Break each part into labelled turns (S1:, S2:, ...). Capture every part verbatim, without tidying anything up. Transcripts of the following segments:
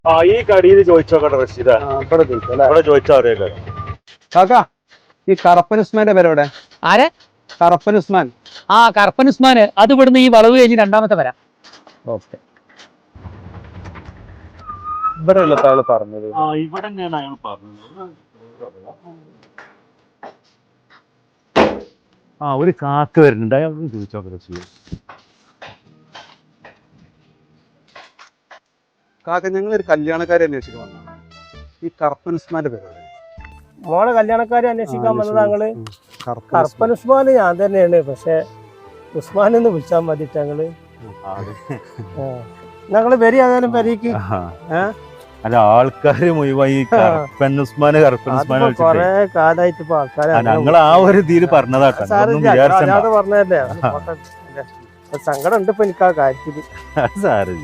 S1: ആ ഈ കടിയിൽ ചോദിച്ചോക്കട്ടെ റഷീദ, ഇവിടെ ചോദിച്ചാ അറിയാലോ.
S2: കാക്കാ ഈ കറപ്പൻ ഉസ്മാന്റെ പേരെവിടെ?
S3: ആരെ?
S2: കറപ്പൻ ഉസ്മാൻ.
S3: ആ കറപ്പൻ ഉസ്മാന്, അത് ഇവിടുന്ന് ഈ വളവ് കഴിഞ്ഞ് രണ്ടാമത്തെ വരാം.
S2: ഓക്കെ. ഇവിടെ ഉള്ള ആള് പറഞ്ഞത്
S1: ആ ഇവിടെ തന്നെയാണ് അയാൾ പറഞ്ഞത്. ആ ഒരു കാക്ക വരുന്നുണ്ട്, അയാൾ ചോദിച്ചോക്കട്ടെ റഷീദ്.
S2: കാക്ക ഞങ്ങളൊരു കല്യാണക്കാരെ അന്വേഷിക്കാൻ വന്നതാണ്. ഈ കറപ്പൻ ഉസ്മാന്റെ പേരെവിടെ?
S4: മോളെ കല്യാണക്കാരെ അന്വേഷിക്കാൻ വന്നത് ഞങ്ങള്. കറപ്പൻ ഉസ്മാൻ ഞാൻ തന്നെയാണ്, പക്ഷെ ഉസ്മാൻ എന്ന് വിളിച്ചാൽ മതി ഞങ്ങള്. ഞങ്ങള് വരി ഏതായാലും പെരീക്ക്.
S1: അല്ല ആൾക്കാര് മുഴുവൻ ഈ കറപ്പൻ ഉസ്മാന് കറപ്പൻ ഉസ്മാൻ
S4: കൊറേ കാലായിട്ട് ഇപ്പൊ ആൾക്കാരെ
S1: ഞങ്ങൾ ആ ഒരു ഇതിൽ പറഞ്ഞതാട്ടോ.
S4: പറഞ്ഞതല്ലേ, സങ്കടം ഉണ്ട് ഇപ്പൊ എനിക്ക് ആ കാര്യത്തില്.
S1: സാരില്ല.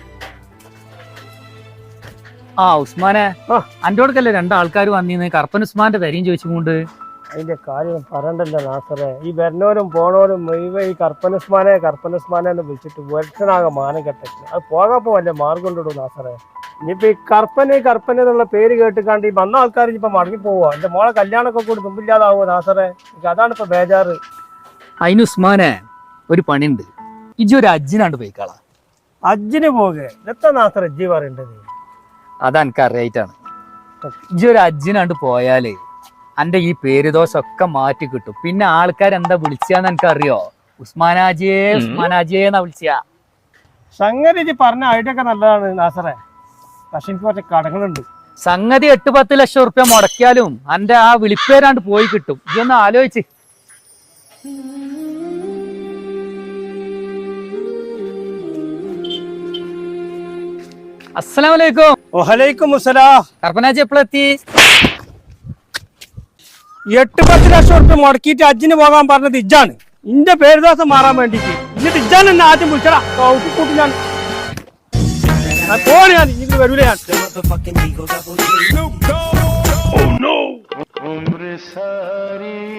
S3: ആ ഉസ്മാനെ, അന്റോടക്കല്ലേ രണ്ടാൾക്കാർ വന്നിന്ന് കറപ്പൻ ഉസ്മാന്റെ പേരെയും ചോദിച്ചുകൊണ്ട്.
S4: അതിന്റെ കാര്യം പറയണ്ടല്ലോ നാസറെ, ഈ വരുന്നവരും പോണവരും മുഴുവൻ ഈ കർപ്പൻ ഉസ്മാനെ കർപ്പൻ ഉസ്മാനെ എന്ന് വിളിച്ചിട്ട് ഒരുത്തനാകെ മാനം കെട്ടിട്ട് അത് പോകാപ്പോ വല്ല മാർഗം കൊണ്ടിടും നാസറെ. ഇനിയിപ്പോ ഈ കർപ്പന് കർപ്പൻ എന്നുള്ള പേര് കേട്ടിക്കാണ്ട് ഈ വന്ന ആൾക്കാർ ഇനിയിപ്പോ മടങ്ങി പോവാ. എന്റെ മോളെ കല്യാണമൊക്കെ കൂടി മുമ്പില്ലാതാവോ നാസറെ? അതാണ് ഇപ്പൊ ബേജാറ്.
S3: അതിന് ഉസ്മാനെ ഒരു പണിയുണ്ട്, ഇജ്ജ് ഒരു അജ്ജിനാണ്ട് പോയിക്കളാ.
S4: അജ്ജിന് പോകെ എത്ര നാസറെ ഇജ്ജി പറയേണ്ടത്?
S3: അതെനിക്ക് അറിയായിട്ടാണ്. ഇജ്ജ് ഒരു അജ്ജിനാണ്ട് പോയാല് അന്റെ ഈ പേര് ദോഷമൊക്കെ മാറ്റി കിട്ടും. പിന്നെ ആൾക്കാർ എന്താ വിളിച്ചാന്ന് എനിക്ക് അറിയോ? ഉസ്മാനാജിയെ ഉസ്മാനാജിയെ എന്നാ വിളിച്ചാ.
S4: സംഗതി ഇജ്ജ് പറഞ്ഞ ഐഡിയ ഒക്കെ നല്ലതാണ് നാസറെ, പക്ഷെ എനിക്ക് കുറച്ച് കടങ്ങളുണ്ട്.
S3: സംഗതി എട്ട് പത്ത് ലക്ഷം ഉറുപ്യ മുടക്കിയാലും അന്റെ ആ വിളിപ്പേരാണ്ട് പോയി കിട്ടും. ഇതൊന്ന് ആലോചിച്ച്. അസ്സലാമലൈക്കും.
S4: വലൈക്കും മുസ്സലാം.
S3: കർപ്പനാജി എപ്പോഴെത്തി?
S4: എട്ട് പത്ത് ലക്ഷം ഉറുപ്പ്യ മുടക്കിയിട്ട് അജ്ജിന് പോകാൻ പറഞ്ഞത് ഇജ്ജാണ്. ഇന്റെ പേരുദോഷം മാറാൻ വേണ്ടിട്ട് എന്നിട്ട് ഇജ്ജാൻ എന്നെ ആദ്യം വിളിച്ചടാ കൂട്ടി. ഞാൻ പോണ ഞാൻ ഇത് വരൂല ഞാൻ.